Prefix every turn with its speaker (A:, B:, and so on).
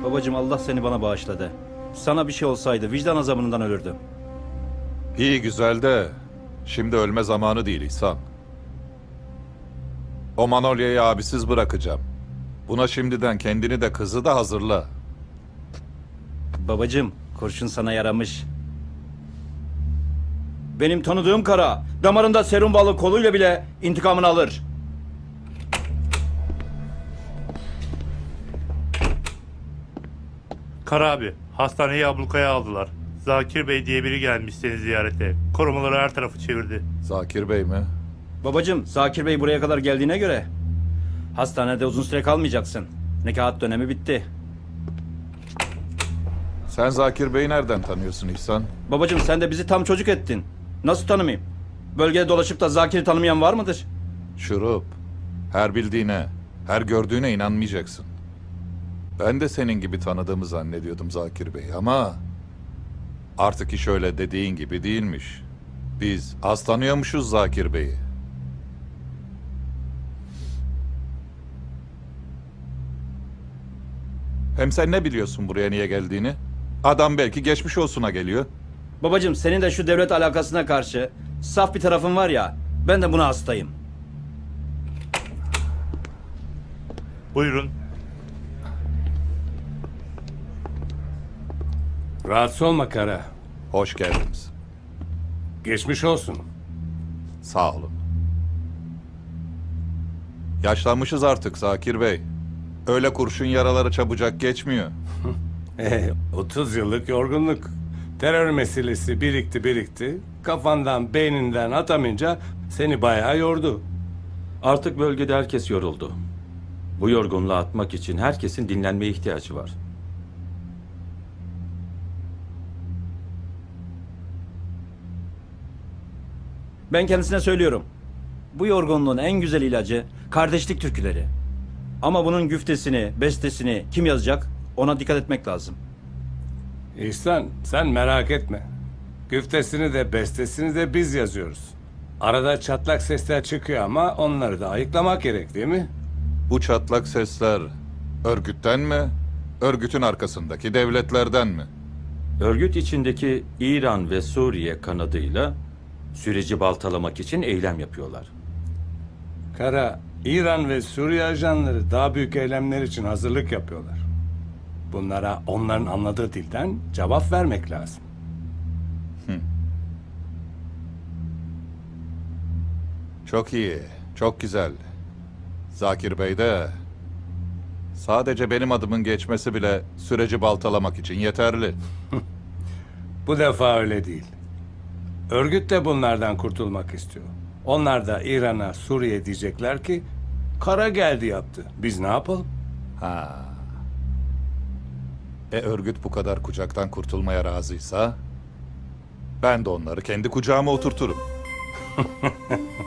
A: Babacığım Allah seni bana bağışladı. Sana bir şey olsaydı vicdan azabından ölürdüm.
B: İyi güzel de şimdi ölme zamanı değil İhsan. O Manolya'yı abisiz bırakacağım. Buna şimdiden kendini de kızı da hazırla.
A: Babacığım kurşun sana yaramış. Benim tanıdığım kara damarında serum balı koluyla bile intikamını alır.
C: Kara abi, hastaneyi ablukaya aldılar. Zakir Bey diye biri gelmiş seni ziyarete. Korumaları her tarafı çevirdi.
B: Zakir Bey mi?
A: Babacığım Zakir Bey buraya kadar geldiğine göre hastanede uzun süre kalmayacaksın. Nekahat dönemi bitti.
B: Sen Zakir Bey'i nereden tanıyorsun İhsan?
A: Babacığım sen de bizi tam çocuk ettin. Nasıl tanımayayım? Bölgede dolaşıp da Zakir'i tanımayan var mıdır?
B: Şurup. Her bildiğine, her gördüğüne inanmayacaksın. Ben de senin gibi tanıdığımı zannediyordum Zakir Bey ama artık iş öyle dediğin gibi değilmiş. Biz az tanıyormuşuz Zakir Bey'i. Hem sen ne biliyorsun buraya niye geldiğini? Adam belki geçmiş olsuna geliyor.
A: Babacığım senin de şu devlet alakasına karşı saf bir tarafın var ya, ben de buna hastayım.
C: Buyurun.
D: Rahatsız olma Kara.
B: Hoş geldiniz.
D: Geçmiş olsun.
B: Sağ olun. Yaşlanmışız artık Zakir Bey. Öyle kurşun yaraları çabucak geçmiyor.
D: 30 yıllık yorgunluk. Terör meselesi birikti. Kafandan, beyninden atamayınca seni bayağı yordu.
E: Artık bölgede herkes yoruldu. Bu yorgunluğu atmak için herkesin dinlenmeye ihtiyacı var.
A: Ben kendisine söylüyorum. Bu yorgunluğun en güzel ilacı kardeşlik türküleri. Ama bunun güftesini, bestesini kim yazacak? Ona dikkat etmek lazım.
D: İhsan, sen merak etme. Güftesini de bestesini de biz yazıyoruz. Arada çatlak sesler çıkıyor ama onları da ayıklamak gerek değil mi?
B: Bu çatlak sesler örgütten mi? Örgütün arkasındaki devletlerden mi?
E: Örgüt içindeki İran ve Suriye kanadıyla süreci baltalamak için eylem yapıyorlar.
D: Kara, İran ve Suriye ajanları daha büyük eylemler için hazırlık yapıyorlar. Bunlara onların anladığı dilden cevap vermek lazım.
B: Çok iyi, çok güzel. Zakir Bey de sadece benim adımın geçmesi bile süreci baltalamak için yeterli.
D: Bu defa öyle değil. Örgüt de bunlardan kurtulmak istiyor. Onlar da İran'a, Suriye diyecekler ki Kara geldi yaptı. Biz ne yapalım?
B: Ha. Örgüt bu kadar kucaktan kurtulmaya razıysa ben de onları kendi kucağıma oturturum.